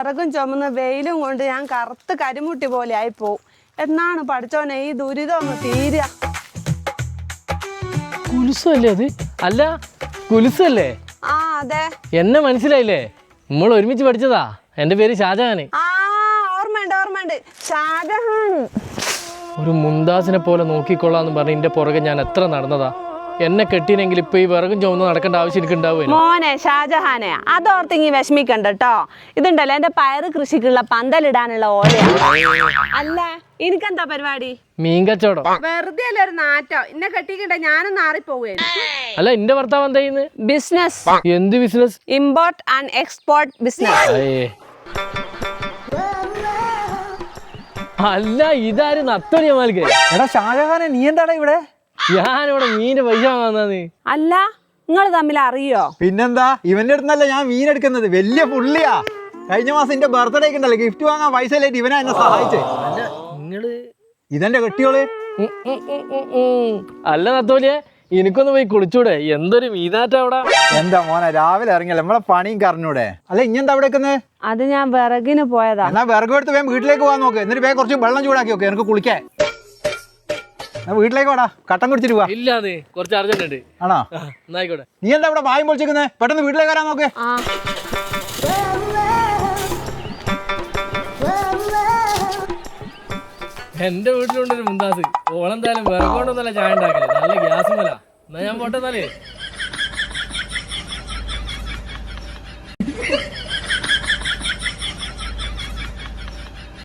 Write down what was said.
വിറകും ചുമന്ന് വെയിലും കൊണ്ട് ഞാൻ കറുത്ത് കരിമുട്ടി പോലെ ആയിപ്പോവും. എന്നാണ് പഠിച്ചോനെ ഈ ദുരിതം ഒന്ന് തീരുക. കുലുസല്ലേ അത്? അല്ല കുലുസല്ലേ? ആ അതെ. എന്നെ മനസ്സിലായില്ലേ? നമ്മൾ ഒരുമിച്ച് പഠിച്ചതാ. എൻ്റെ പേര് ഷാജഹാന്. ആ ഓർമ്മയുണ്ട് ഷാജഹാൻ. ഒരു മുന്താസിനെ പോലെ നോക്കിക്കൊള്ളാന്ന് പറഞ്ഞ് എൻ്റെ പുറകെ ഞാൻ എത്ര നടന്നതാ. എന്നെ കെട്ടിനെങ്കിൽ ഇപ്പൊ ഈ വിറകും ചുമന്ന് നടക്കേണ്ട ആവശ്യം എനിക്ക് ഉണ്ടാവുക. മോനെ ഷാജഹാനെ, അതോർത്തിങ്ങി വിഷമിക്കണ്ട കേട്ടോ. ഇതുണ്ടല്ലോ എന്റെ പയറ് കൃഷിക്കുള്ള പന്തലിടാനുള്ള ഓലയാണ്. അല്ല എനിക്കെന്താ പരിപാടി? മീൻ കച്ചവടം. വെറുതെ അല്ല ഒരു നാറ്റോ. ഇന്നെ കെട്ടിക്കണ്ട, ഞാനും നാറിപ്പോവുകയാണ്. അല്ല എന്റെ ഭർത്താവ് എന്താ ചെയ്യുന്നത്? ബിസിനസ്. എന്ത് business? Import and export business. അല്ല ഇതാരും നത്തോലിയമാൽക്ക്. എടാ ഷാജഹാനെ, നീ എന്താടാ ഇവിടെ? ഞാനിവിടെ മീൻ്റെ പൈസ വാങ്ങാന്ന്. അല്ല നിങ്ങൾ തമ്മിൽ അറിയോ? പിന്നെന്താ, ഇവന്റെ അടുത്തല്ല ഞാൻ മീൻ എടുക്കുന്നത്. വലിയ പുള്ളിയാ. കഴിഞ്ഞ മാസം എന്റെ ബർത്ത്ഡേക്ക് ഉണ്ടല്ലോ, ഗിഫ്റ്റ് വാങ്ങാൻ പൈസ ഇല്ലായിട്ട് ഇവനാ എന്നെ സഹായിച്ചേ. നിങ്ങള് ഇതെന്റെ കെട്ടിയോള്. അല്ല നത്തോലിയെ, എനിക്കൊന്ന് പോയി കുളിച്ചൂടെ? എന്തൊരു മീനാറ്റ അവിടെ. എന്താ മോനെ, രാവിലെ ഇറങ്ങിയല്ലോ, നമ്മളെ പണിയും കറഞ്ഞൂടെ? അല്ല ഇഞ്ഞെന്താ അവിടെ വെക്കുന്നത്? അത് ഞാൻ വിറകിന് പോയതാ. എന്നാ വിറക് എടുത്ത് വേഗം വീട്ടിലേക്ക് പോകാൻ നോക്ക്. എന്നിട്ട് വേഗം കുറച്ച് വെള്ളം ചൂടാക്കി നോക്ക്, എനിക്ക് കുളിക്കാൻ. വീട്ടിലേക്ക് വാടാ, കട്ടൻ കുടിച്ചിട്ട് പോവാ. ഇല്ലാതെ കുറച്ച് അർജന്റ് ഉണ്ട്. ആണോ? എന്നായിക്കോട്ടെ. നീ എന്താ ഇവിടെ വായും പൊളിച്ചിരിക്കുന്നത്? പെട്ടെന്ന് വീട്ടിലേക്ക് വരാൻ നോക്ക്. എന്റെ വീട്ടിലുണ്ടൊരു മുന്താസ്. ഓളെന്തായാലും വിറകൊണ്ടൊന്നല്ല ചായ ഉണ്ടാക്കല്, നല്ല ഗ്യാസ് മല. എന്നാ ഞാൻ പോട്ടെന്നാലേ.